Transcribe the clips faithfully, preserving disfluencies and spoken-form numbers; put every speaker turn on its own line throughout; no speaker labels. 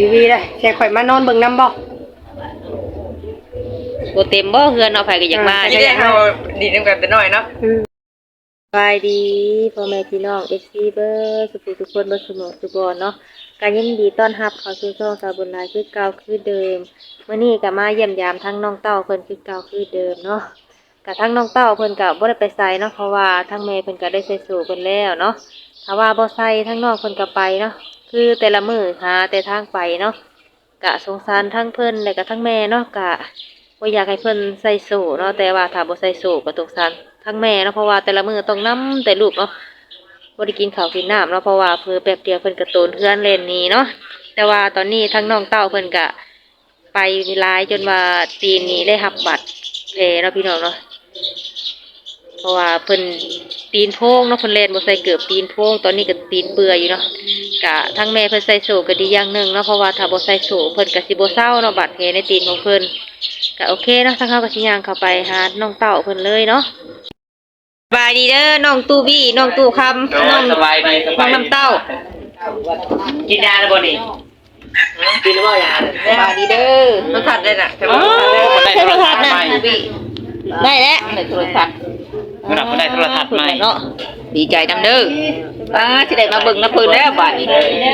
วีได้แค่ข่อยมานอนเบิ่งน้ำบ่
บ่เต็มบ่เฮือนเนาะไผก็อยากมา
ที่ได้เฮาดีนำกันแต่น้อยเนาะ
สบายดีพ่อแม่พี่น้อง เอฟ ซี เบิร์สุขทุกคนบ่สมองสุบอนเนาะก็ยินดีต้อนรับเข้าสู่ช่องสาวบุญหลายคือเก่าคือเดิมมื้อนี้ก็มาเยี่ยมยามทั้งน้องเต้าเพิ่นคือเก่าคือเดิมเนาะก็ทั้งน้องเต้าเพิ่นก็บ่ได้ไปไสเนาะเพราะว่าทั้งแม่เพิ่นก็ได้ใส่สู่เพิ่นแล้วเนาะถ้าว่าบ่ใส่ทั้งน้องเพิ่นก็ไปเนาะคือแต่ละมื้อหาแต่ทางไปเนาะก็สงสารทั้งเพิ่นและก็ทั้งแม่เนาะก็บ่อยากให้เพิ่นใส่สู่เนาะแต่ว่าถ้าบ่ใส่สู่ก็สงสารทั้งแม่เนาะเพราะว่าแต่ละมื้อต้องนำแต่ลูกเนาะบ่ได้กินข้าวกินน้ำเนาะเพราะว่าเพิ่นแป๊บเดียวเพิ่นก็โตนเฮือนเล่นหนีเนาะแต่ว่าตอนนี้ทั้งน้องเต้าเพิ่นก็ไปหลายจนว่าตีนนี้ได้รับบัตรแผลเนาะพี่น้องเนาะเพราะว่าเพิ่นตีนโพงเนาะเพิ่นเล่นบ่ใส่เกือบตีนโพงตอนนี้ก็ตีนเปื่อยอยู่เนาะก็ทั้งแม่เพิ่นใส่โซ่ก็ดีอย่างหนึงเนาะเพราะว่าถ้าบ่ใส่โซ่เพิ่นก็สิบ่เศร้าเนาะบาดแผลในตีนของเพิ่นก็โอเคเนาะทั้งเฮาก็สิย่างเข้าไปหาน้องเต้าเพิ่นเลยเนาะสบายดีเด้อน้องตู้บี้น้องตู้คำน้อง
สบายดีส
น้
บา
อง
ย
น้ำเต้า
กินยาแล้วบ่นี่กินหรือเปล่ายา
สบายดีเด้อ
มันทัดได้น่ะแต่
อ๋อ
ว่า
ใช้โทรทัศน์นะได้แล้วในโทรทัศน์
เวลาคนได้โทรทัศน์ใหม่
เนาะดีใจนำเด้อป้าสิได้มาเบิ่งน้ำเพิ่นแล้วบาดนี้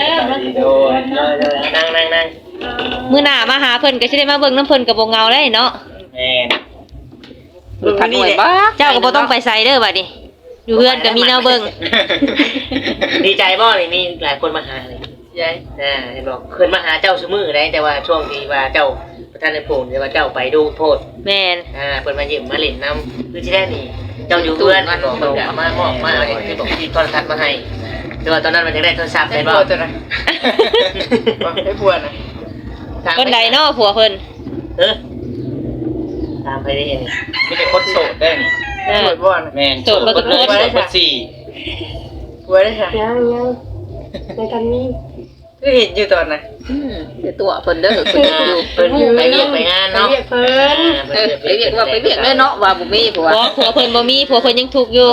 นั่งนั่งนั่ง
มื้อหน้ามาหาเพิ่นก็สิได้มาเบิ่งน้ำเพิ่นก็บ่เหงาได้เนาะ
แม่น
ดูทันหน่วยบ้าเจ้าก็บ่ต้องไปไสเด้อบัดนี้อยู่เฮือนก็มีแนวเบิ่ง
ดีใจบ่นี่มีหลายคนมาหาเลยยายอ่าเห็นบอกเพิ่นมาหาเจ้าซุมื้อได้แต่ว่าช่วงที่ว่าเจ้าประธานในโปงแต่ว่าเจ้าไปดูโทษ
แม่น
อ่าเพิ่นมายิ้มมาเล่นนำคือสิได้นี่เจ้าอยู่เพื่อนเพิ่นก็มามอบมาเอาที่บอกที่โทรทัศน์มาให้แต่ว่าตอนนั้นมันจะได้โทรศัพท์
ได้
ได้
บ่
บ่
ตัวน่ะได้ผัวน่ะ
เพิ่นใดเนาะผัวเพิ่น
เออตามไปได้ยังมีแต่คนโสดได้นี่
เออ
ผัวบ่น่ะ
แม่นโสดคนเลยโสดคนสี่
ผัวได้ค่ะ
ยังยังในกันนี้
คือเห็นอยู่ตอนน่ะ
อืมเดี๋ยวตัวเพิ่นเด้อเพิ่นอยู่
เพิ่นไปเรียกไปงานเนาะ
เรียกเพิ่น
เออไปเรียกว่าไปเรียกเลยเนาะว่าบ่มีผัวผัวเพิ่นบ่มีผัวเพิ่นยังทุกข์อยู่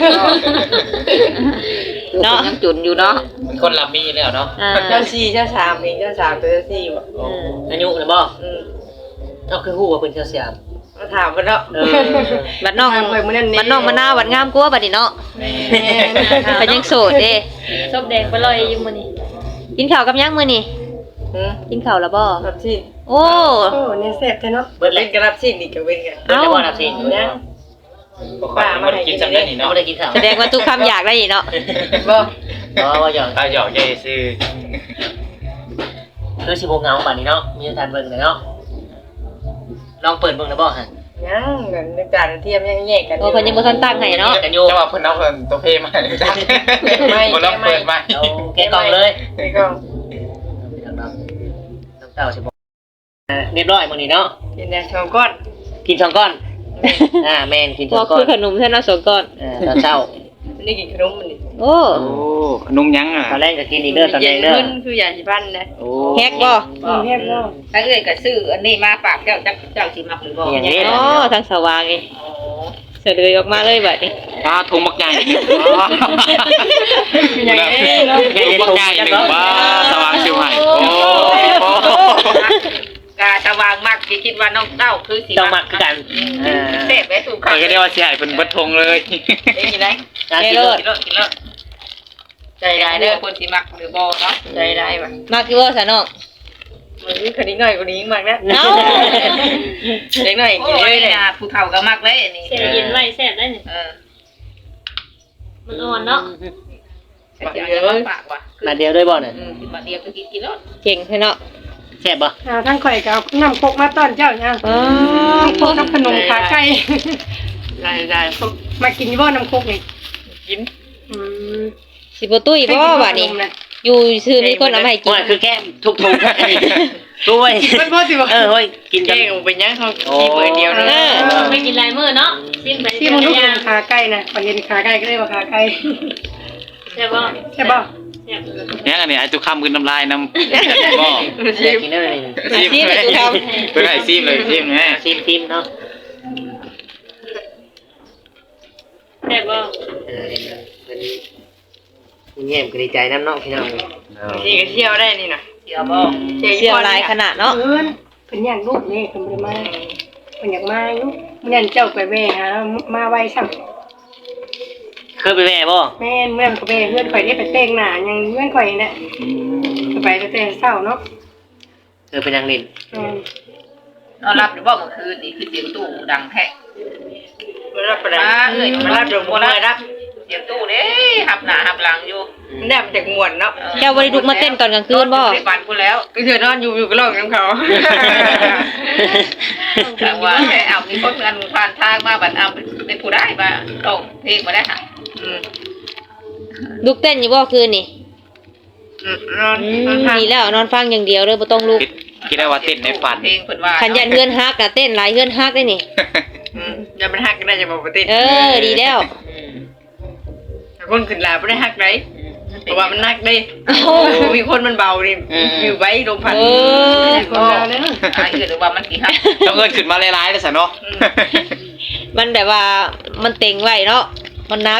เนาะยังจุนอยู่เนาะ
เป็นคนรับมีแล้วเนาะ
อ่า
เจ้าสี่เจ้าสามนี่เจ้าสามตัวเจ้าสี่บ่
อายุนะบ่
อืม
เอาคือฮู้ว่าเพิ่นเจ้าสยาม
มาถามเพิ่นเนาะ
เออ
บัดน้อง
ทางข่อยมื้อนั้นนี่
บัดน้องมะนาวบัดงามกว่าบัดนี้เนาะ
แม่
เพิ่นยังโสดเด้ซบแดงไปลอยอยู่มื้อนี้กินข้าวกับยังมื้อนี้
อืม
กินข้าวแล้วบ่
รับสิ
โอ้
โอ้เนี่ยแซ่บแท้เนาะ
เบิด
เล่
เล่
น
น
กันรับสินี่ก็เว้นกัน
เบิดแล้วบ่รับสินะป้ามากินจังได้นี่เนาะบ่ได้กินข้าว
แสดงว่าทุกคำอยากได้อีกเนาะ
บ่
อ๋อว่าหยอกอ่ะหยอกใหญ่ซื่อคือสิบ่เหงาป่านนี้เนาะมีทานเบิ่งเลยเนาะลองเปิดเบิ่งได้บ่ฮะ
ยังกันในจานเทียมยังแยกกัน
โอ้เพิ่นยังบ่ทันตั้งให้เนาะ
กันอยู่
จังหวะเพิ่นเอาเพิ่นตัวเพมาเลยจ้ะ
ไม่
คนเราเปิดมา
เอาแกะกล่องเลย
ไปกล่อง
น้ำเต้าสิบ่เรียบร้อยมื้อนี้เนาะ
กินแดงสองก้อน
กินสองก้อน อ่าแม่นกินส
บ่
องก้อ
คื
น
อขนมแท้เนาะสองก้อน
เออตอนเช้า
มันได้กินขนมมันนี่
โอ้
โอ้ขนมยังอ่ะ
ตอนแรกก็กินอีกเด้อตอนแรกเด้อ
ขึ้นคือยาสีฟันนะ
โอ้
แฮกบ่
เรียกเนาะ
ถ้าเอ้ยก็ซื้ออันนี้มาฝากเจ้าจักเจ้าสิมักหรือบ่
อย่างนี้
โอ้ทางสว่างนี่เสด็จออกมาเลยบัดนี้
ปลาทงบักใหญ่
อย่างนี้เนาะ
ทงบักใหญ่หนึ่งบ้าสว่างสิวให้โอ้
กาสว่างมากสิคิดว่าน้องเต้าคือสิ
ต้องมักคือกันอ่า
เสพไปสู่
ข่อยก็ได้ว่าสิให้เพิ่นเบิดทงเลย
ได้กินได้
อ่า
กิ
กิ
น
น
เล
เลย ย
กินเลยกินเลยใจร้ายเด้อคนสิมักหรือบ่เนาะใจร้ายว่ะ
มากี่ว่าซะน้อง
มันคือคดีน้อยกว่านี้มากนะ
เอ้า
เด็กน้อยกินเลยเนี่ยผู้เฒ่าก็มักเลยอันนี้
เสียเย็นไว้แซ่บได้นี่
เออ
มันอ่อนเนาะ
เดี๋ยวเดี๋ยวฝากว่ะ
มาเดียวด้วยบ่เนี่ย
อืมมาเดียวก็กินกินแล้ว
เก่งแท้เนาะ
แซ่บบ่
อ่าทางข่อยก็เอาน้ำคกมาต้อนเจ้าเนี่ย
อ๋อ
น้ำคกกับขนมขาไก่
ได้ได้
มากินอยู่บ่น้ำคกนี่
กิน
อืม
สิบ่ตุ้ยบ่บัดนี้อยู่ซื่อมีคนเอามาให้กิน
ว่าคือแก้มทุกทุกด้วย
มันบ่สิบ่
เออเฮ้ยกินกั
แก้
น
งเป็นยังเขาขี้เปิดเดียวนึง
ไม่กินลายมือเนาะซิมไป
ที่มันลูกขนมขาไก่น่ะพอเห็นขาไก่ก็เลยว่าขาไก่
ใช่ป่ะ
ใช่บ่
แซ่บ
ยังอันนี้ไอ้ตุกคำกินน้ำลายน้ำบ่
อยากกินได้เลย
ซิมเลยเพิ่นให้ซิมเลยซิมแม่
ซิมซิมเนาะ
แซ่บป่ะ
เออเป็นคุณเยี่ยมก็ดีใจน้ำเนาะพี่น้อง
นี่ก็เที่ยวได้นี่นะเดี๋ยวบ่
เสียวลายขนาดเนาะ
เพิ่นเพิ่นอยากลูกนี่เพิ่นบ่ได้มาเพิ่นอยากมาอยู่มื้อนั้นเจ้าไปแว่หามาไว้ซ้ำ
เคยไปแม่บ่
แม่นเมื่อนก็แว่เพื่อนข่อยได้ไปแต่งหน้ายังเพื่อนข่อยน่ะไปแต่แต่เช้าเนาะ
เคยไปนั่งเล่น
อืม
นอนรับหรือบ่เมื่อคืนนี่คือเสียงตู้ดังแท้
มันรับไปได้
มาเอ้ย
มันรับเดี๋ยวมันเลยรับ
เสียงตู้เด้หับหน้าหับหลังอยู่
มันได้มาจากมวนเนาะ
เจ้าบ่ได้ลุกมาเต้นตอนกลางคืนบ่
ไปบ้านกูแล้ว
ก็เธอนอนอยู่อยู่ก็ร้องน้ำเขา
แต่ว่าแค่เอามีคนงานผ่านทางมาบัดเอาเป็นผู้ได้มาต้องเพลงมาได้ค่ะ
อืม
ลุกเต้นอยู่บ่คืนนี่
อืมนอน
อื
นอน
ม
พัก
ดีแล้วนอนฟังอย่างเดียวเลยบ่ต้องลุก
คิดคิดได้ว่าเต้นในฝัน
เพลงเพิ่นว่า
ขันยันเฮือนฮักน่ะเต้นหลายเฮือนฮักได้นี่
อืมอย่ามันหักก็ได้จะบอกปกติ
เออดีแล้ว
คนขึ้นลาไม่ได้หักได้เพราะว่ามันหักได้
เอ้า
มีคนมันเบาดิอยู่ไว้ลมพัด
เออ
คนเราเด้อ
อ่าอื่นหรือว่ามันสิฮับ
ต้องเอิ้นขึ้นมาหลายๆเลยซะเนาะ
มันแบบว่ามันเต็งไว้เนาะมันนัก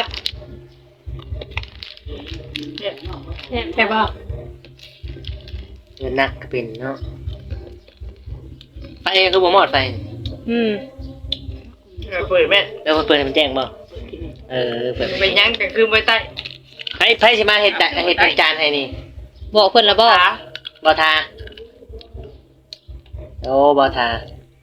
แต่ว่า
เงินนักก็เป็นเนาะไฟคือบ่หมอดไฟ
อืม
เปิดแม่
แล้วเปิดให้มันแจ้งบ่เออเปิด
ไปยั้งแต่คือไปใต้
ไผไผสิมาเฮ็ดจะเฮ็ดเป็นจานให้นี่
บอกเพิ่นแล้วบ่
ขา
บ่ทาโอ้บ่ทา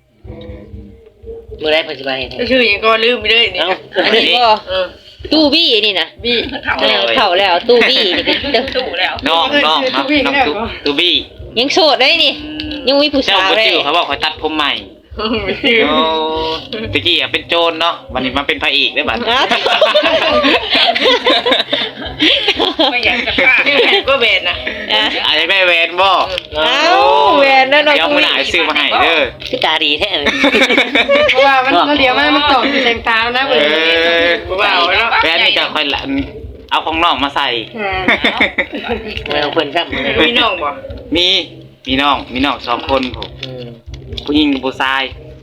มื้อใดเพิ่นสิมาเฮ็ดให้
ชื่อยังก็ลืมไปเลยนี่
เอ้า
อันนี้บ่
เออ
ตู้บี้นี่นะ
บี้
เข้า
เอ
แล้ว
อเข้าแล้วตู้บี้นี่ก็เด้อ
ตู้แล้ว
น้องน้องเนาะน้องตูตูบี้
ยังโสดได้นี่ ยังมีผู้
เจ้า
สาว
บ่
เลย
จื้อเขาบอกเขาตัดผมใหม่
ไม่ชื่อ
โอ้ตะกี้อ่ะเป็นโจรเนาะวันนี้มาเป็นพระเอกได้บัด
อ้าว
ไม่อยากจะฆ่า
ชื่อแผ่นก็เบนนะ
อ่ะ
อาจจะได้แหวนบ่
เอ้าแหวนนั่นเนาะ
เดี๋ยวมื้อหน้าซื้อมาให้เด้อ
คือตาดีแท้เลย
เพราะว่ามันเราเดี๋ยวมันมันตอกอยู่แสงตาแล้วนะ
เอ
เพิ่น
อ
เบาๆเนาะ
แหวนนี่จะค่อยละเอาของน้องมาใส่
อ่า
ไม่เอาเพิ่นครับ
มีน้องบ่
มีมีน้องมีน้องสองคนผม
อืม
ผู้หญิงกับผู้ชาย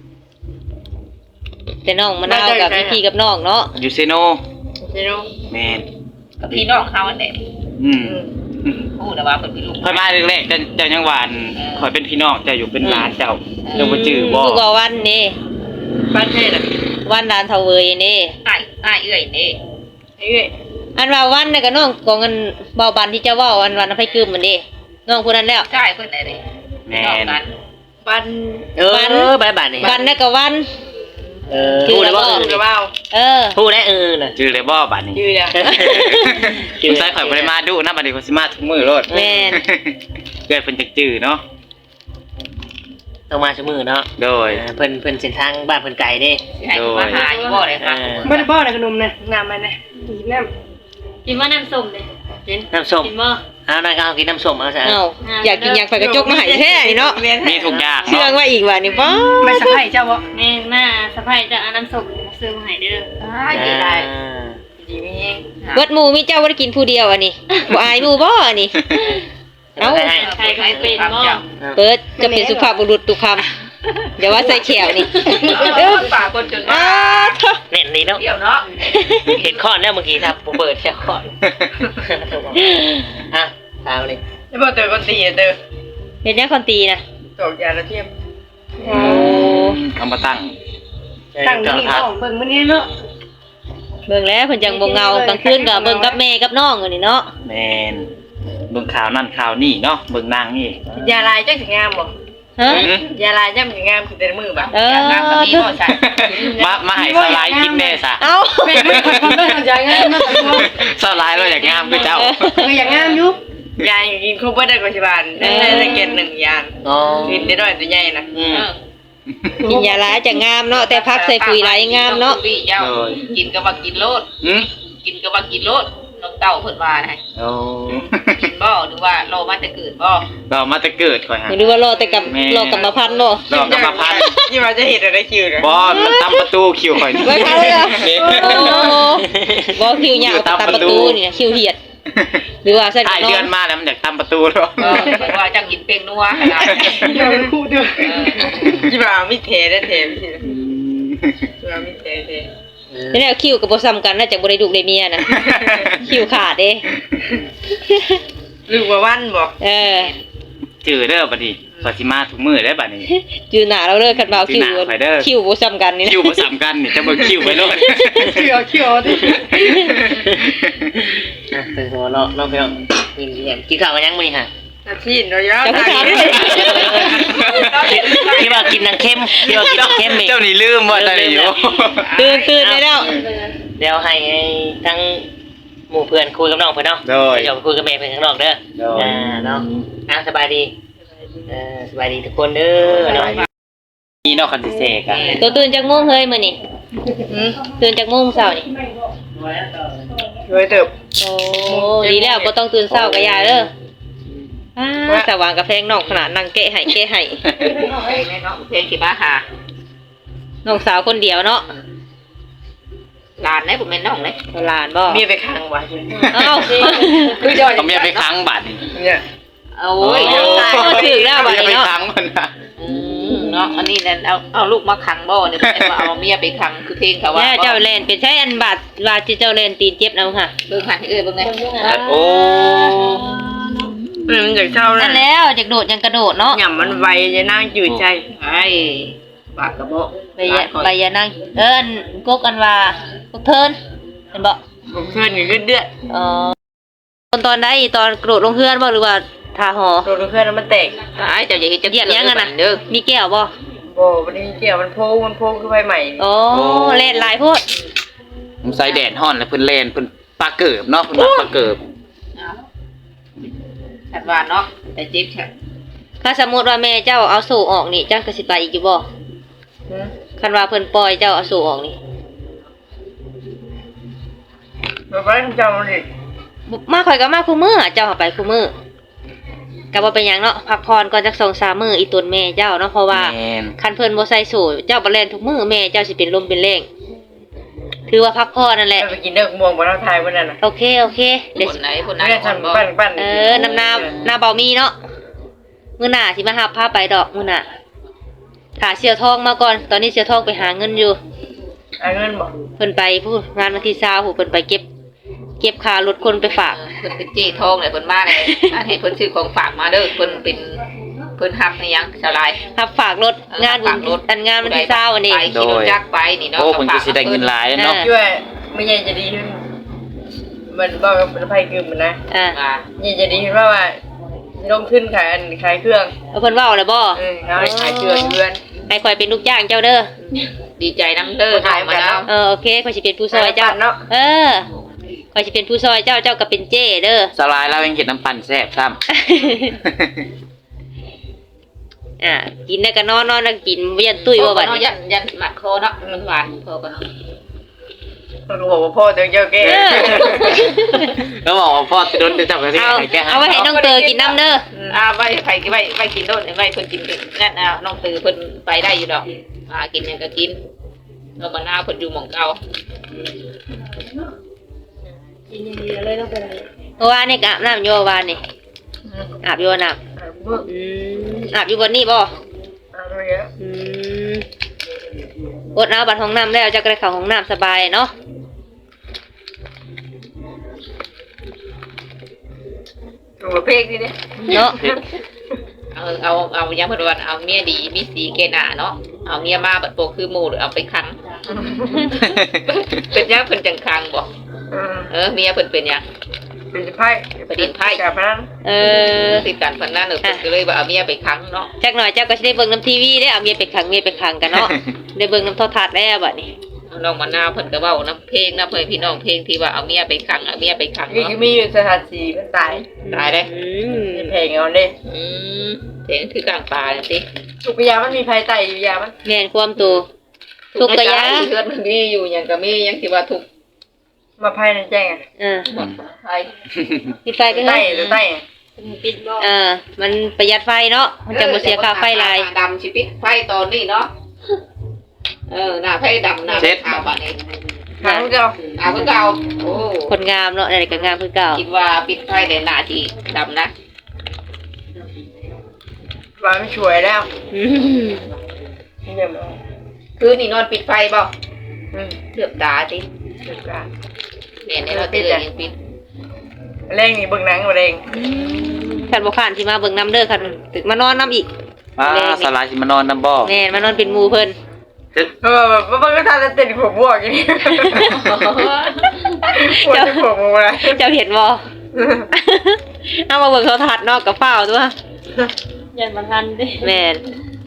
แต่น้องมะนาวกับพี่พี่กับน้องเนาะ
อยู่เซโน
ใช่เนาะ
แมน
พี่น้องเขาอันเด็ก
อืม
พูดแต่ว่าเป็นพี่ลูก
ค่อยมาแรกๆเจ้าเจ้ายังหวานคอยเป็นพี่น้องเจ้าอยู่เป็นหลานเจ้าเจ้าบ่จื้อบ่
ลูกว่าวันนี่
บ้านเทศอ่ะ
วันลานเทาเวยนี่
อ้ายอ้ายเอื้อยนี่
เอ้ย
อันว่าวันน่ะก็น้องของอันเบาบันที่เจ้าเว้าอันวันอภัยกึมมันดิน้องผู้นั้นแล้ว
ใช่เพิ่นไหนเลย
แม
น้อง
น
กัน
บ้าน
เออบ้านบ้านนี่
วันน่ะก็วัน
เออพูดได้บ่
ชื่อเบา
เออ
พูดได้เออน่ะ
จื้อเลยบ่บัดนี้
ชื่อเนี่ย
คุณชายข่อยบ่ได้มาดุนะบัดนี้ข่อยสิมาทุกมื้อโลด
แม่น
เกิดเพิ่นจักจื้อเนาะ
ต้องมาชั่วมือเนาะ
โดย
เพิ่นเพิ่นเส้นทางบ้านเพิ่นไกลเด้
ให้มาหาอยู่บ่เลยค่ะ
บ่ได้บ่ได้ขนมนะน้ำมันนะกินน้ำ
กินว่าน้ำส้มเลย
น้ำส้ม
กินบ่
เอาหน่อยก็เอากินน้ำส้มเอาซะ
เอ้าอยากกินอยากไปกระจกมาให้แท้นี่เนาะ
มีทุกอย่าง
เชื่อง
เนาะ
ว่าอีกว่านี่บ่
ไม่สะไผ่เจ้าบ่
แม่มาสะพายจะเอาน้ำส้มซื้อมาให้เด้อ
อ้ายดีได้
อ่า
ดีมีเอง
เบิดหมู่มีเจ้าบ่ได้กินผู้เดียวอันนี้บ่อายหมู่บ่อันนี้ เอ้า
ให้
ใครก็ไม่เป็นบ่
เปิดจะเป็นสุภาพบุรุษทุกคำอย่าว่าใส่แขวนี่
เออปากคนจน
อ้า
มา
เถอะ
แน่นดีเนาะ
เดี๋ยวเนาะ
เห็นข้อนแล้วเมื่อกี้ครับผมเปิดแค่ข้อนอ่ะตามเลย
แล้วพอเจอคนตีอ่ะเจอ
เห็นยังคนตีนะ
ตกยาละเทียม
โอ้
เอามาตั้ง
ตั้งนี่น้องเบิ่งมื้อนี้เนาะ
เบิ่งแล้วเพิ่นจังบ่เงากลางคืนก็เบิ่งกับแม่กับน้องอันนี้เนาะ
แมนเบิ่งข่าวนั่นข่าวนี่เนาะเบิ่งนางนี่
ยาลายจังสิงามบ่
ฮะ
หืม
ยาลายจังสิงามคือแต่มือบ่
เออ
น้ำก็มีบ่ใช่
มามาให้สลายกินแน่ซะ
เอ้า
แม่ไม่คนคนเด้อใจงามเนาะ
สลายเราอยากงามคือเจ้า
เอออย่างงามอยู่
ยายกินครบบ่ได้กว่าสิบาทได้ได้เกณฑ์หนึ่งยาน
อ๋อ
กินได้น้อยตัวใหญ่นะ
อืม
กินยาหลายจะงามเนาะแต่พักใส่ปุ๋ยหลายงามเนาะ
กินก็ว่ากินโลด
หืม
กินก็ว่ากินโลดน้องเต่าเพิ่นว่านะ
โอ้
กินบ่หรือว่าโลมาแต่เกิดบ่
เรามาแต่เกิดก่อนฮะ
หรือว่ารอแต่กับ
แม่
รอกรรมพันธุ์บ่
ดอกกรรมพันธุ์
ยี่มาจะเห็นอะไรคิวนะ
บอลมันตามประตูคิวข่อยนี่
ไว้เขาเลยเหรอโอ้บ่คิวยาวตามประตูนี่นะคิวเหียด หรือว่าใส่
ถ่าย
น้อ
เดือง นมาแล้วมันอยากตามประตูแล้ว
เออเพิ่นว่าจังกินเป็งนัวขนาดนี้
เดี๋ยวมันคู่เด้อ
ยี่มาไม่เทได้เทไม่ใช่ยี่มาไม่เทเท
นี่แหละคิวก็บ่ซ้ำกันน่าจะบ่ได้ลูกได้เมียนะคิวขาดเด้
ลูกว่าวันบอก
เออ
จือเด้อบัดนี้ปฏิมาทุกมื้อได้บัดนี้
จือหน้าเราเด้อคันบ่าว
จื
คิ
อ
ว
หน้าข่อยเด้อ
คิวบ่ซ้ำกันนี่นะ
คิวบ่ซ้ำกันนี่จะเบิ่งคิวไปโลด
เขียวเขียวดิ
อ่ะเป็นหัวเนาะน้องเพียงกินเห็นกินข้าวกันยังมื้อนี้ฮะ
อาชีพเรายาว
จะผู้ถามเลย
ที่ว่ากินนังเข้มที่ว่ากินนังเข้มนี่
เจ้านี่ลืมว่าตอนนี้อยู่
ตื่นตื่นได้แล้ว
เดี๋ยวให้ทั้งหมู่เพื่อนคุยกับน้องเพิ่นเนาะ
โดย
เดี๋ยวไปคุยกับแม่เพิ่นข้างนอกเด้อ
โดย
อ่าเนาะอ่ะสบายดีเออสบายดีทุกคนเด้อเนาะ
นี่เนาะคันสิเสกอ่ะ
ตัวตื่นจากโมงเฮ้ยมื้อนี้ตื่นจากโมงเช้านี่
ช่วยเติบ
โอ้ดีแล้วบ่ต้องตื่นเช้าก็อย่าเด้ออ้าสว่างกับแพงน้องขนาดนั่งเกะให้เกะให้
เนาะเพลงที่มาหา
น้องสาวคนเดียวเนาะ
หลานได้ผมเป็นน้องเลย
หลานบ่
เมียไปค้างไว้
เอ้า
คือจอย
เอาเมียไปค้างบัดนี่
เนี่ย
โอ้ย
โอ้ถึกแล้วบัด
เมีย
นี้
ไป
เนาะ
ค้างมันน่ะ
อืมเนาะอันนี้นั่นเอาเอาลูกมาขังบ่เนี่ยเป็นว่าเอาเมียไปขังคือเพลงเขาว่า
ย่าเจ้าแล่นเป็นใช้อันบาดว่าสิเจ้าแล่นตีนเจ็บนำค่ะ
เบิ่งหันให้เอ้ยเบิ่งไง
โอ้
มันอยากเช่า
นั่
นะ
นแล้วจากโดดยังกระโดดเนาะ
หย่ำมันไวจะนั่งจืดใจ
ไอ้บาดกระโบ
ใบยะใบยะนั่งเอิ้นกกอันว่าพวกเทินเห็นบ่
ผมเพื่อนอยู่เดือด
อ๋อตอนตอนใดตอนกระโดดลงเฮือนบ่หรือว่าทาหอ
โดนเพื่อนแล้วมันแตก
ไอ้เจ้าอย่าเฮ็ดจะ
เหยียบยังอะน่ะ
เด้อ
มีแก้วบ่
โบมันนี่เกี่ยวมันโพงมันโพงขึ้นไปใหม่
โอ้เล่นหลายโพด
ผมใส่แดดฮ้อนแล้วเพิ่นเล่นเพิ่นปลาเกิบเนาะเพิ่นมักปลาเกิบ
ชัดว่าเนาะแต่เจ็บแค่
ถ้าสมมุติว่าแม่เจ้าเอาสู่ออกนี่เจ้าก็สิไปอีกอยู่บ่คันว่าเพิ่นปล่อยเจ้าเอาสู่ออกนี่
มันไม่ทำจำมันดิ
มาข่อยก็มาคู่มื้อเจ้าเอาไปคู่มื้อก็บ่เป็นหยังเนาะพักผ่อนก่อนจักสองสามมื้ออีตุนแม่เจ้าเนาะเพราะว่า
แม่น
คันเพิ่นบ่ใส่สูทเจ้าบ่แล่นทุกมื้อแม่เจ้าสิเป็นลมเป็นแรงถือว่าพักผ่อนนั่นแหละ
ไปกินเด็กม่วงบนเราไทยวันนั้นน่ะ
โอเคโอเคเดี๋ยว
ค
สิ
นไหนคนไหน
ไม่ได้
คนบ่
ทำปั้นปั้น
เออน้ำนาหน้าเบามีเนาะมื้อหน้าสิมาหาพาไปดอกมื้อหน้าถ้าเสียวทองมาก่อนตอนนี้เสียวทองไปหาเงินอยู่
เอาเงินบอก
เพิ่นไปผู้งานวันที่ยี่สิบผู้เพิ่นไปเก็บ เก็บค่ารถคนไปฝาก
เพิ่นเป็นเจ้ทองเลยเพิ่นมาเลยอันให้เพิ่นซื้อของฝากมาเด้อเพิ่นเป็นเพิ่นฮับในยังชาวลาย
รับฝากรถงานบุ
ฝากร
ญ
ถ
อันงานวันที่ยี่สิบวันนี้
ไปขี่รถจักรไปนี่เนาะ
โอ้เพิ่นก็สิได้เงินหลายเนาะ
ช่วยไม่ใช่จะดีขึ้นมันบอกกับมันไพ่คือมันนะ
อ่า
อ่า
นี่จะดีขึ้นว่าว่าลงขึ้นขายอันขายเครื่อง
เอาเพิ่นเว้าแล้วบ่
เออเขาให้ขายเครื่องเพื่อน
ให้ข่อยเป็นลูกจ้างเจ้าเด้อ
ดีใจน้ำเด้อ
ขาย
มา
กัน
แล้ว
เนาะ
เออโอเคข่อยสิเป็นผู้ซอยเจ้า
เนาะ
เออข่อยสิเป็นผู้ซอยเจ้าเจ้าก็เป็นเจ้เด้อ
สลายแล้วยังเห็นน้ำปั่นแซ่บซ้ำ
อ่ากินแล้วก็นอนนอนแล้วกินบ่ยันตุ้ยบ่บัด
เนาะ
นี้
ยันยันหมัดคอเนาะมันหวานพอกันเนาะ
มันก็บอกว่าพ่อเจ้าเจ้าแก่
เออ
ก็บอกว่าพ่อจะโดนจะจับกันที่
เอา
ไหนแกหา
เอาไว้ให้น้องเตอกินน้ำเด้อ
อ่าไว้ไผไว้ไว้กินโดดไว้เพิ่นกินนั่นอ่ะน้องตือเพิ่นไปได้อยู่ดอกอ่ากินหยังก็กินเราบ่น่าเพิ่นอยู่หม่องเก่า
เพราะว่านี่ก็อาบน้ำอยู่วานนี่อาบอยู่น้ำอืมอาบอยู่บนนี่บ่
เอาไปเยอะ
อืมอดเอาบัดห้องน้ำแล้วจะกระเข้าห้องน้ำสบายเนาะ
ตัวเพลงนี่เนี่ย
เนาะ
เอาเอาเอายังเพิ่นว่าเอาเมียดีมีสีแก่หน้าเนาะเอาเมียมาบัดโปกคือหมู่หรือเอาไปขัง เป็นยังเพิ่นจังคังบ่
เออ
เออเมียเพิ่นเป็นหยัง
เป็นไพ่
ประเด็นไพ่
กับพนัน
เออ
ติดกันเพิ่นนั่นเออเพิ่นก็เลยว่าเอาเมียไปขังเนาะ
จักหน่อยเจ้าก็สิได้เบิ่งน้ำทีวีได้เอาเมียไปขังเมียไปขังกันเนาะ ได้เบิ่งน้ำโทรทัศน์แล้วบัดนี้
น้องมะนาวเพิ่นก็เว้าน้ำเพลงน้ำเพิ่นพี่น้องเพลงที่ว่าเอาเมียไปขังเอาเมียไปขัง
นี่
เนาะ
คือมีอยู่สถานสีมันตาย
ตายเด้
อืม
มีเพลงเอาเด้
อืมเพลงคือกลางป่าจังซี่
ทุกยามันมีภัยไตอยู่ยามัน
แม่นความตัว ทุกข์กะยะ
เฮือนมันมีอยู่หยังก็มีหยังที่ว่าทุกข์
มาภัยในแจ้งอ่ะ
เออ
หมดไผ
ปิดไฟไป
ไต
เฮ้ย
หรือไต
ปิดบ่
เออมันประหยัดไฟเนาะมันจะบ่เสียค่าไฟหลาย
ดำสิปิดไฟตอนนี้เนาะเออหน้าไฟดำหน้าไฟขาวบัดนี้
ทางเจ้า
อ่าเพิ่นก็เอาโอ้
คนงามเนาะอะไรก็งามคือเก่า
คิดว่าปิดไฟในหน้าที่ดำนะ
ว่าไม่ช่วยแล้ว
อืม
เยี่ยมเลย
คืนนี้นอนปิดไฟบ่
อืม
เลือบตาสิ
สุดการ
แม่นี่เราตื่นยังปิด
เร่งนี่เบิ่งหนังมาเร่ง
อืมคันบ่ค้านสิมาเบิ่งน้ำเด้อคันตึกมานอนน้ำอีก
อ่าสลายสิมานอนนำบ่
แม่นมานอนเป็นหมู่เพิ่น
เออแบบมันก็ทานแล้วเต้นผมบวกอย่างนี้ปวดที่ผมมา
เจ้าเห็นบ่ เอามาเบิ่งโทรทัศน์เนอกกับเฝ้าตัว
ยันบ่ทันเด้
แม่น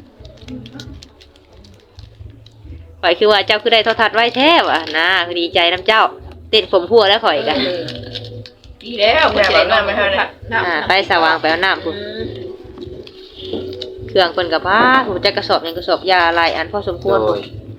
ข่อยคือว่าเจ้าคือได้โทรทัศน์ไว้แท้ว่ะนะคือดีใจนํเจ้าเต้นผมพัวแล้วข่อยกัน
ดีแล้วบ่ใช่น้ำไม่เท่านั้น
อ่าไปสว่างไปเอาน้ำพุ่นเครื่องเพิ่นก็บ้าผมจะกระสอบหยังกระสอบยาหลายอันพอสมควร
โดย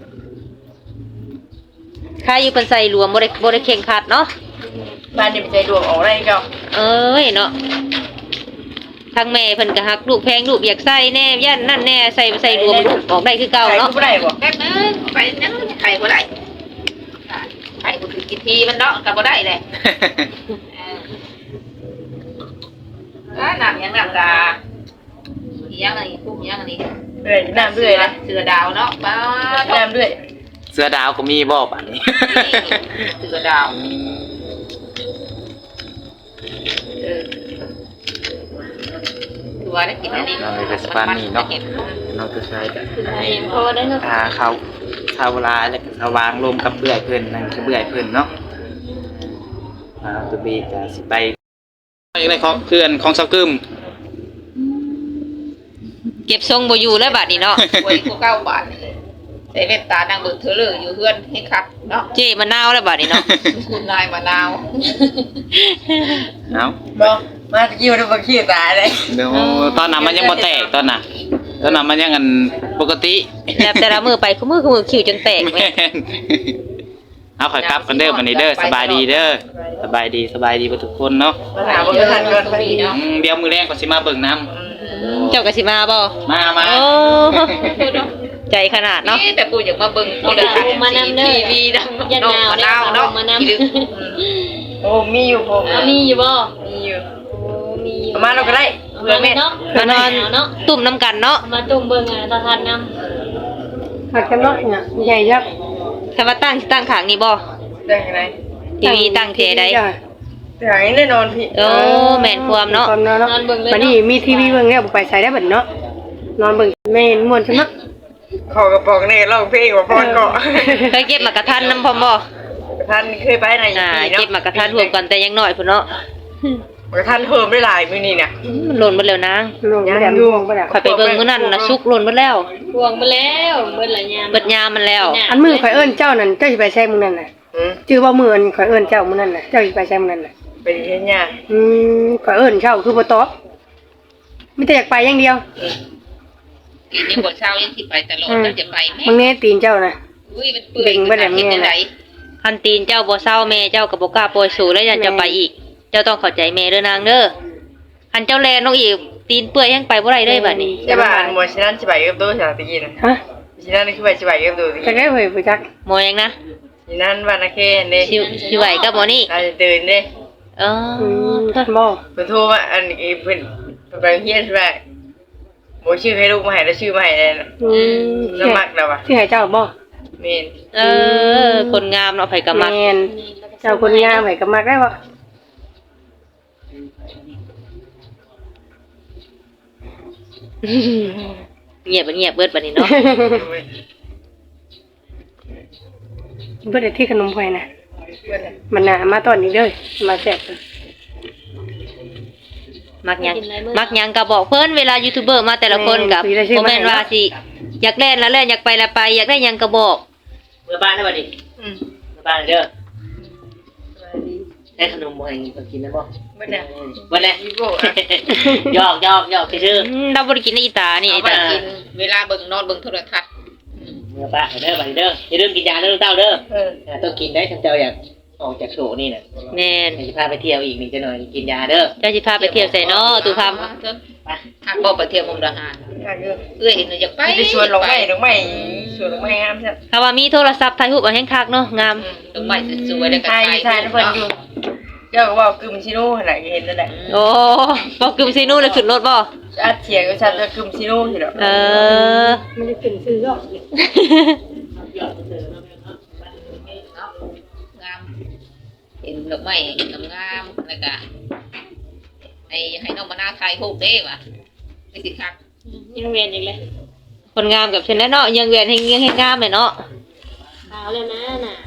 ค่าอยู่เพิ่นใส่รวมบ่ได้บ่ได้เข่งขัดเนาะ
บ้านนี่ใจดวงออกได้เจ้า
เอ้ยเนาะทางแม่เพิ่นก็ฮักลูกแพงลูกอยากใส่แน่ย่านนั่นแน่ใส่ใส่รวมลูกออกได้คือเก่า
ใคร
เนาะ
ก็ได้บ่
แป๊บนึงไปนั่งไข่บ่ได้ไข่บ่ถือกินทีมันเนาะก็บ่ได้แหละเออน้ำยังน้ำกาอีหยังอันนี้ปุ๊บอีหยังอันนี้
เรื่อยน้ำเรื่อยนะ
เสือดาวเนาะป้า
น้ำเรื่อย
เสือดาวก็มีบ่บัดนี้
เสือดาวเออตัวได้กินอันนี้
เราเลยก็สปานนี่เนาะน้องตัวชายก็
ไอ้พอได้เนาะ
อ่าเขาชาวลาแล้วก็สว่างลมกับเบื่อยเพิ่นนั่นคือเบื่อยเพิ่นเนาะอ่าตัวบีก็สิไปในของเพื่อนของเซากึม
เก็บทรงบ่อยู่แล้วบัดนี้เนาะ
ป่วยกูเก้าบาทนี่ใส่เว็บตานางเบิกเธอเลยอยู่เฮือนให้คักเนาะ
เจ้มะนาวแล้วบัดนี้เนาะ
คุณนายมะนาว
เอ้า
บ่มาตะกี้มันบ่ขี้ตาเลย
เดี๋ยวตอนนั้นมันยังบ่แตกตอนน่ะตอนนั้นมันยังอันปกติ
แล้วแต่ละมือไปคือมือคือมือคิวจนแตกแม่
แม่นเอาข่อยกลับกันเด้อวันนี้เด้อสบายดีเด้อสบายดีสบายดีบ่ทุกคนเนาะ
มาหาบ่ทันก่อน
อืมเดี๋ยวมื้อแรกก็สิมาเบิ่งน้ำ
เจ้าก็สิมาบ่
มามา
โอ้ใจขนาดเนาะ
นี่แต่กูอยากมาเบิ่งโทรทัศน์
มานำเด้อ
ทีวีนำ
ยัน
น้อง
หนาว
มะ
ได้
นาวเนาะ
มานำ
อีลึก
โอ้มีอยู่ผม
เอามีอยู่บ่
มีอยู่
โอ้มีอยู่
ประมาณเราก็ได้เพื่อแม่
เนาะ
มานอน
เนาะ
ตุ่มน้ำกันเนาะ
เอามาตุ้มเบิ่งอ่ะตาทันนำ
หักกันเนาะเนี่ยใหญ่ยักษ์
ถ้าว่าตั้งตั้งขางนี่บ่
ได้ไง
ทีวีตั้งเทใด
แต่อย่างนี้แน่นอนพี่
โอ้แม่นความเนาะ
ความเนาะ
นอนเบิ่งเลย
บัด
เนาะ
นี้มีทีวีเบิ่งแล้วบ่ไปใส่ได้บัดเนาะนอนเบิ่งแม่นม่วนใช่มั้ย
ขอกระป๋องนี่ร้องเพลงว่าพรก็
เคยเก็บหมากกระทันน้ำพร้อมบ่
ท่านเคยไปไหน
อ่า
ปีเนาะ
เก็บหมากกระทันรวมกันแต่ยังน้อยพุ่นเนาะ
กระทันเพิ่มได้หลายมื้อนี้น่ะ
มันหล่นหมดแล้วนาง
ลงบ่ได้ลงบ่ได้
ข่อยไปเบิ่งมื้อนั้นน่ะสุกหล่นหมดแล้ว
ห่วงไปแล้วเบิ่นละยาม
เบิดยามมันแล้ว
อันมือข่อยเอิ้นเจ้านั่นเจ้าสิไปใช้มื้อนั้นน่ะ
อืม
ชื่อว่ามื้ออันข่อยเอิ้นเจ้ามื้อนั้นน่ะเจ้าสิไปใช้มื้อนั้นน่ะ
ไปเฮ็ดหยัง
อืมข่อยเอิ้นเจ้าคือบ่ตอบมีแต่อยากไปอย่างเดียว
ยังบ่เช้ายังสิไปตลอดแล้วจะไปแม่
มึงแน่ตีนเจ้าน่ะ
อุ้ยมันเปื่อยมันเฮ็ดจังได๋
คันตีนเจ้าบ่เศร้าแม่เจ้าก็บ่กล้าปล่อยสู่แล้วยันจะไปอีก เจ้าต้องเข้าใจแม่เด้อนางเด้อคันเจ้าแลน้องอีกตีนเปื่อยยังไปบ่ได้เลยบัดนี้
ใช่ป่ะหมอชินันสิไปกับตัวสาตะกี้น่ะ
ฮะ
ชินันนี่คือไปสิไปกับตัวตะ
จัก
กี้
ได้เฮ้ยบ่จัก
หมอยังนะ
ชินันบ้านนาเคนเด้
สิสิไหวกับหมอนี่
เราจะตื่นเด้
เอ
อื
อ
มบ่
เพิ่นโทรมาอันนี้เพิ่นเพิ่นไปเฮียนใช่ป่ะบ่ชื่อให้ลูกมาให้แล้วชื่อมาให้เลยน่ะ
อืม
น้ำมักแล้วว่ะ
สิให้เจ้าบ่
แม่น
เออ คนงามเนาะไผก็มัก
แม่นเจ้าคนงามไผก็มักได้บ่
เงียบบ่เงียบเบิดบัดนี้เนาะ
เบ่ได้ที่ขนมไผนะมันน่ะมาตอนนี้เด้อมาแซ่บเด้อ
มักหยังมักหยังก็บอกเพิ่นเวลายูทูบเบอร์มาแต่ละคนกับบ่แม่นว่าสิอยากเล่นแล้วเล่นอยากไปแล้วไป อยากได้หยังก็บอก
เมื่อบ้านได้ป่ะดิ
อืม
เมื่อบ้านเด้อได้ขนมบ่ให้กินนะบ่
บ่ได้
วันแรก
อีโก้อะ
หยอกหยอกหยอกซื่อ
อืมเราบ่ได้กินในอีตานี่
เอา
อี
ไป
ตา
กินเวลาเบิ่งนอนเบิ่งโทรทัศน์
ๆเมื่อบ้านเด้อบัดนี้เด้ออย่าลืมกินยาเด้อลูกเต้าเด้อ
เออ
อ่าต้องกินได้ทั้งเจ้าอยากออกจากโศนี่น่ะ
แม่น
เดี๋ยวจะพาไปเที่ยวอีกนี่จะหน่อยกินยาเด้อ
เจ้าสิพาไปเที่ยวไสเนาะตู่พาม
ไป
หักบ่ไปเที่ยวมุกดาหาร
อยากอยู่
เอ้ยหนูอยากไป
มีแต่ชวนลงไม้ลงไม้ชวนลงไม้งามซะ
ถ้าว่ามีโทรศัพท์ถ่ายรูปเอาแฮงคักเนาะงาม
อืมลงไปสวยๆแล้วก็
ทาย
ไป
ทายทุกคนอยู่เจ้าก็ว่ากึมชิโน่หั่นน่ะเห็นนั่นแหละ
โอ้บ่กึมซินูเลยขึ้นรถบ่
อาเถียงกับฉันจะกึมชิโน่สิดอก
เออ
ไม่ได้เป็นซื้อหรอก
งามเห็นดอกไม้งามๆแล้วก็ไอ้ให้ให้น้องมาหน้าไทยฮูกเด้ว่ะไปสิคัก
ยังเวียนอีกเลย
คนงามกับฉันแน่เนาะยังเวียนให้ยังให้งามเลยเนาะ
ขาวเลยนะน่ะ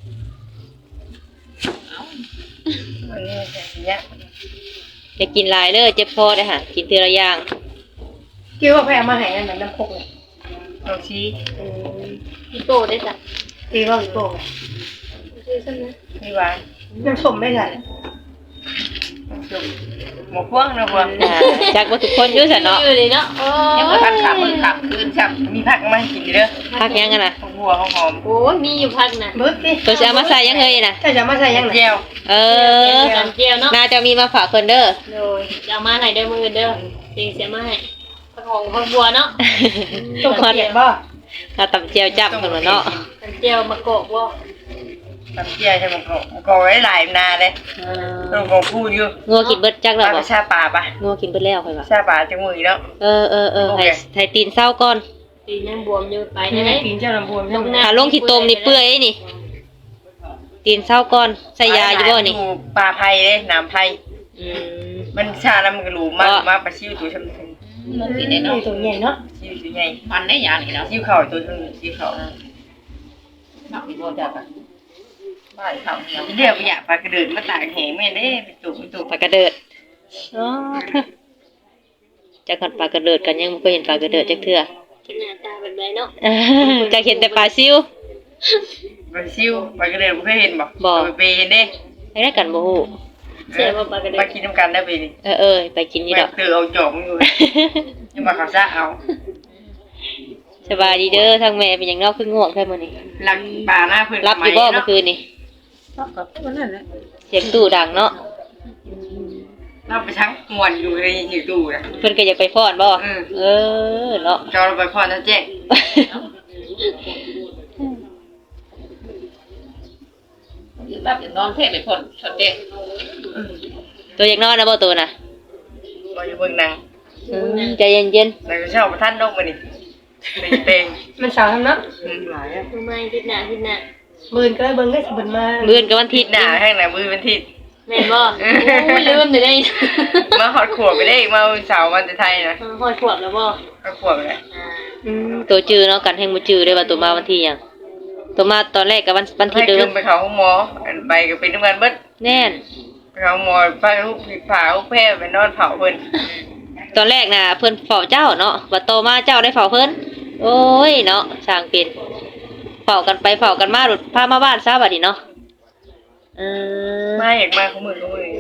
วันนี้เนี้ย
อย่ากินหลายเด้อเจ็บคอได้อค่ะกินทีละอย่าง
คิดว่าไปเอามาให้นั่นมันน้ำพกเลย
เราชี้
พี่โป้ได้จ้ะ
ตีว่าพี่โป้ง
คือซั่นนะ
นี่หวาน
น้ำส้มไม่ใส่
หมกพวงนะพวง
อ่าจากว่าทุกคนอยู่ซั่นเนาะ
อยู่เลยเนาะโอ้
ยังบ่ทันขับมือขับคืนช้ำ
มีผักมาให้กินเด้อ
พักยังกันนะ
หัวหอม
โอ้มีอยู่พักน่ะ
เบิร์ดดิ
ตัวจะเอามาใส่ยังเฮยนะ
ถ้าจะมาใส่ยังไง
เจียว
เออ
กันเจียวเนาะ
น่าจะมีมาฝากเพิ่นเด้อ
โดยจะเอามาให้เด้อมือเด้อจริงเสียมาให้ผักของผักบัวเนาะ
ต้องเปียกบ่
ถ้าตำเจียวจับเพิ่นว่าเนาะ
กันเจียวมะกอกบ่
ทำเจียวใช่หมกหมกไว้หลายนาเลย
เอ
ต้
อ
องของพูดอยู่
งัวกินเบิดจักแล้ว
ปลา
บ่
ไปชาป่าปะ
งัวกินเบิดแล้วค่อยว่า
ชาป่าจังมือแล้ว
เออเออเออ
โอเค
ให้ให้ตีนเศร้าก่อน
ตีนยังบวมอยู่ไป
นี่
ได้
ไง
ไหม
ปีนเจ้าลำพูน
ลงหน้า
ถ้าลงขี้ตมนี่เปื่อยนี่ ตีนเศร้าก่อนใส่ยาอยู่บ่นี่
ปลาไผ่เลยน้ำไผ่
อืม
มันชาแล้วมันก็รู้มากมาปลาชิวตัวชมพู
มึงกินได้เนาะ
ตัวใหญ่เนาะ
ชิวตัวใหญ่
มันได้ยานี่เนาะ
ชิวเข่าตัวชมชิวเข่า
นักวิโรจน์จ้ะบ้านเขาเนี่ย
เดี๋ยวไปอยากปลากระเดิดมาตากแหงแม่เด้ไปตุกไปตุก
ปลากระเดิดอ๋อจักหันปลากระเดิดกันยังบ่เคยเห็นปลากระเดิดจักเทื่อ
กินหน้าตาแบบไรเนาะ
จักเห็นแต่ปลาซิว
ปลาชิวปลากระเดิดบ่เคยเห็นบ่
บ่
ไปเปเห็นเด้
ให้ได้กันบ่ฮู้
เสียว่าปลากระเดิ
มา
ด
กินน้ำกันได้ไปนี่
เออเออไปกินนี่
แม่
ดอก
เตือเอาจอกมันอยู่ยังมาเขาซะเอา
สบายดีเด้อทางแม่เป็นหยังเนอกคือง่วงแค่มื้อนี้
ลักปลาหน้าเพิ่น
รับอยู่บ่เมื่อคืนนี่
รับกับนั่นแหละ
เสียงตู้ดังเนาะ
รับไปทั้งมวนอยู่ในอยู่ตู้น่ะ
เพิ่นก็อยากไปฟ้อนบ่
อืม
เออเนาะ
จอเราไปพรท่านแจ้ง
ยืนรับอย่างนอนเทพไปพ่นชดเด็ก
ตัวอยากนอนนะบ่ตัวน่ะ
บ่อยู่เบิ่งหนัง
อืมใจเย็น
แล้วก็เช่าประท่านนกมานี่เต็ง
มันสาวทำเนาะ
ๆอืมหลายอ่ะ
ทำไมคิดหน้าคิดหน้า
บืนก็ได้เบิ่งได้บืนมา
ๆมื้อนกับวันอาทิ
ทิ
ต
ศ
ย์
หน้าข้างหน้ามือเป็นทิศ
แม่นบ่โอ้ลืมเลยได้
มาหอดขวบไปได้อีกมาเสาร์วันจะไทยนะ
หอยขวบแล้วบ่
ก็ขวบเลย
อ่า
อืมตัวจื้อเนาะกันแห่งบ่จื้อได้ว่าตัวมาวันที่หยังตัวมาตอนแรกก็วันวันที่
ให้
เดิ
ขึ้
ม
นไปเขาหมออันไปก็เป็นน้ำกันเบิด
แน่น
ไปเขาหมอไปลูกผิดผาลูกแพ้ไปนอนเผาเพิ่น
ตอนแรกน่ะเพิ่นเฝ้าเจ้าเนาะบัดโตมาเจ้าได้เฝ้าเพิ่นโอ้ยเนาะสร้างเป็นเฝ้ากันไปเฝ้ากันมาหลุดพามาบ้านซะบัดนี้เนาะเออ
มาอยากมาเขามือเขามือ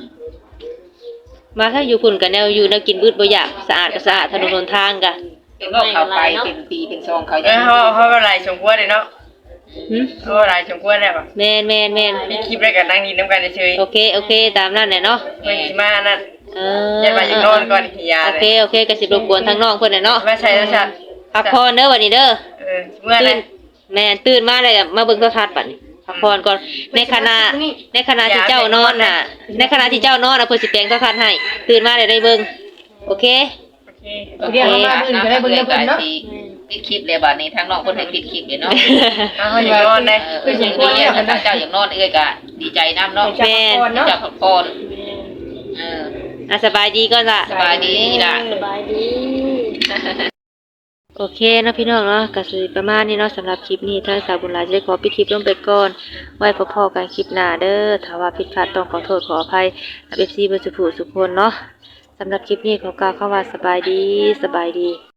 มาถ้าอยู่พุ่นกันแนวอยู่แนวกินบืดบ่อยากสะอาดก็สะอาดถนนหนทางกะ
เป็นโรคเขาไปเป็นปีเป็นซองเขา
เออเขาเขาก็ไล่ชมกล้วยเลยเนาะ
หึ
เขาก็ไล่ชมกล้วยได้ปะ
แม่นแม่นแม่น
มีคลิปได้กันนั่งดินน้ำกันเฉย
โอเคโอเคตามนั้นแหละเนาะ
ๆเพิ่นสิมานั่น
เออ
อย่าไปอีกนอนก่อนหิยา
โอ
เล
เค
ย
โอเคก็สิรบกวนทางน้องเพิ่นน่ะเนาะ
มาใช้แล้วชัด
พักผ่อนเด้อวันนี้เด้อ
เออเมื่อไร
ตื่นแม่นตื่นมาเลยก็มาเบิ่งโทรทัศน์บัดนี้พักผ่อนก่อนในขณะในขณะที่เจ้านอนน่ะ ในขณะที่เจ้านอนน่ะเพิ่นสิแปลงโทรทัศน์ให้ตื่นมาได้ได้เบิ่งโอเค
โอเค
เรียกเขามาบืนก็ได้เบิ่งได้เบิ่งเนาะ
ปิดคลิปเลยบัดนี้ทางน้องเพิ่นให้ปิดคลิปเลยเนาะ
เอาเขาอยากนอนได้
เอออย่างนี้ถ้าเจ้าอย่างนอนเอ้ยก็ดีใจน้ำเนาะ
แม่น
เจ้าพักผ่อนเออ
อ่ะสบายดีก่อนล่ะ
สบายดีล่ะ
สบายดี
โอเคเนาะพี่น้องเนาะก็สิประมาณนี้เนาะสำหรับคลิปนี้ถ้าสาวบุญหลายจะได้ขอปิดคลิปลงไปก่อนไว้พอๆกันคลิปหน้าเด้อถ้าว่าผิดพลาดต้องขอโทษขออภัยกับ เอฟ ซี เบอร์สุภูสุคนเนาะสำหรับคลิปนี้ขอกล่าวคำว่าสบายดีสบายดี